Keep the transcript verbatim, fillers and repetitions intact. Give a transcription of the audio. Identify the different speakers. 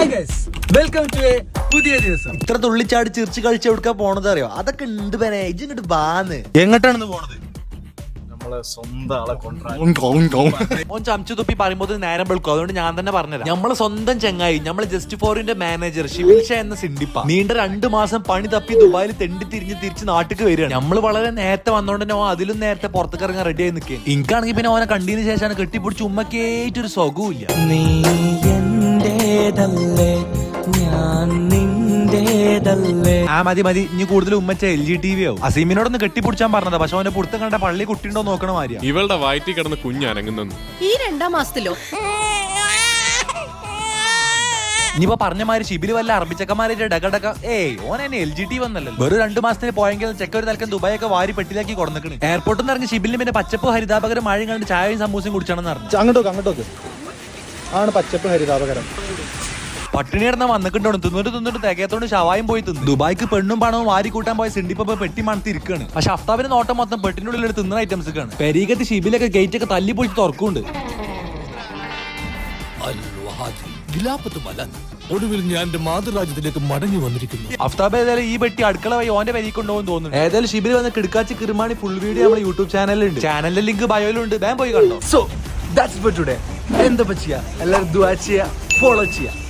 Speaker 1: Hi guys, welcome to a പുതിയ ദിവസം.
Speaker 2: ഇത്ര തുള്ളിച്ചാടി ചിരിച്ച് കളിച്ച് എവിടുക്കാ പോണത് അറിയോ? അതൊക്കെ ഉണ്ട് പേനെ. ഇജ്ജ് ഇങ്ങോട്ട് ബാന്ന്.
Speaker 1: എങ്ങോട്ടാണെന്ന് പോണത്?
Speaker 3: നമ്മളെ സ്വന്തം ആളെ
Speaker 2: ഓൻ ചമച്ചു തുപ്പി പറയുമ്പോൾ നേരം വെളുക്കും. അതുകൊണ്ട് ഞാൻ തന്നെ പറഞ്ഞുതരാം. നമ്മളെ സ്വന്തം ചെങ്ങായി, നമ്മളെ ജസ്റ്റ് ഫോറിന്റെ മാനേജർ ഷിബിൽ ഷാ എന്ന സിണ്ടിപ്പ നീണ്ട രണ്ടു മാസം പണി തപ്പി ദുബായിൽ തെണ്ടി തിരിഞ്ഞ് തിരിച്ച് നാട്ടിക്ക് വരികയാണ്. നമ്മൾ വളരെ നേരത്തെ വന്നോണ്ട് തന്നെ ഓൻ അതിലും നേരത്തെ പുറത്തേക്ക് ഇറങ്ങാൻ റെഡി ആയി നിൽക്കുക. എനിക്കാണെങ്കിൽ പിന്നെ ഓനെ കണ്ടതിന് ശേഷമാണ് കെട്ടിപ്പിടിച്ച് ഉമ്മക്കേറ്റൊരു സുഖവും ഇല്ല. നീ എന്റേതല്ലേ, ഞാൻ നിന്റേതല്ലേ. ആ മതി മതി, ഇനി കൂടുതൽ ഉമ്മച്ച എൽ ജി ടി വി ആവും. അസീമിനോടൊന്ന് കെട്ടിപ്പിടിച്ചാൻ പറഞ്ഞതാ, പക്ഷെ അവന്റെ പുറത്ത് കണ്ട പള്ളി കുട്ടിയുണ്ടോ നോക്കണ മാതിരിയാ.
Speaker 4: ഇവളുടെ വയറ്റിൽ കിടന്ന് കുഞ്ഞനങ്ങുന്നു.
Speaker 5: ഈ രണ്ടാം മാസത്തിലോ?
Speaker 2: ഇനിയിപ്പോ പറഞ്ഞ മാതിരി ഷിബില് വല്ല അറബിച്ചക്കന്മാരുടെ ഡകടക ഏയ് ഓൻ എന്നെ എൽ ജി ടി വന്നല്ലോ. വെറും രണ്ടു മാസത്തിന് പോയെങ്കിൽ ചെക്ക ഒരു തലക്കം ദുബായൊക്കെ വാരി പെട്ടിലാക്കി കൊടുക്കണ്. എയർപോർട്ടിൽ നിന്ന് ഇറങ്ങി ഷിബിലിന് പിന്നെ പച്ചപ്പ് ഹരിതാപകരം മഴയും കണ്ട് ചായയും സമൂസയും കുടിച്ചാണെന്ന് പറഞ്ഞു.
Speaker 3: അങ്ങോട്ടോക്ക് അങ്ങോട്ടോക്ക് ആണ് പച്ചപ്പ് ഹരിതാപകരം.
Speaker 2: പട്ടിണി കിടന്ന വന്നിട്ടുണ്ടോ തിന്നിട്ട് തിന്നിട്ട് തികയത്തോണ്ട് ഷവായും പോയി തിന്നു. ദുബായിക്ക് പെണ്ണും പണവും വാരി കൂട്ടാൻ പോയ സിണ്ടിപ്പ പെട്ടി മണത്തി ഇരിക്കുകയാണ്. പക്ഷെ അഫ്താബിന്റെ നോട്ടം മൊത്തം പെട്ടിനുള്ളിൽ ഒരു തിന്നുന്ന ഐറ്റംസ് ഒക്കെയാണ്. പെരീകത്ത് ഷിബിലൊക്കെ ഗേറ്റ് ഒക്കെ തല്ലി പൊളിച്ച് തുറക്കുന്നുണ്ട്.
Speaker 6: ഒടുവിൽ ഞാൻ എന്റെ മാതൃരാജ്യത്തിലേക്ക് മടങ്ങി വന്നിരിക്കുന്നു.
Speaker 2: അഫ്താബ് ഏതായാലും ഈ പെട്ടി അടുക്കള വഴി ഓന്റെ വരി കൊണ്ടുപോകും തോന്നുന്നു. ഏതായാലും ഷിബിൽ വന്ന് കിടക്കാച്ചി കിറുമാണി ഫുൾ വീഡിയോ നമ്മുടെ യൂട്യൂബ് ചാനലിലുണ്ട്. ചാനലിന്റെ ലിങ്ക് ബയോയിലുണ്ട്. വേഗം പോയി കണ്ടോ.
Speaker 1: So that's for today. എന്താ ചെയ്യാ, എല്ലാവരും ദുആ ചെയ്യാ, ഫോളോ ചെയ്യാ.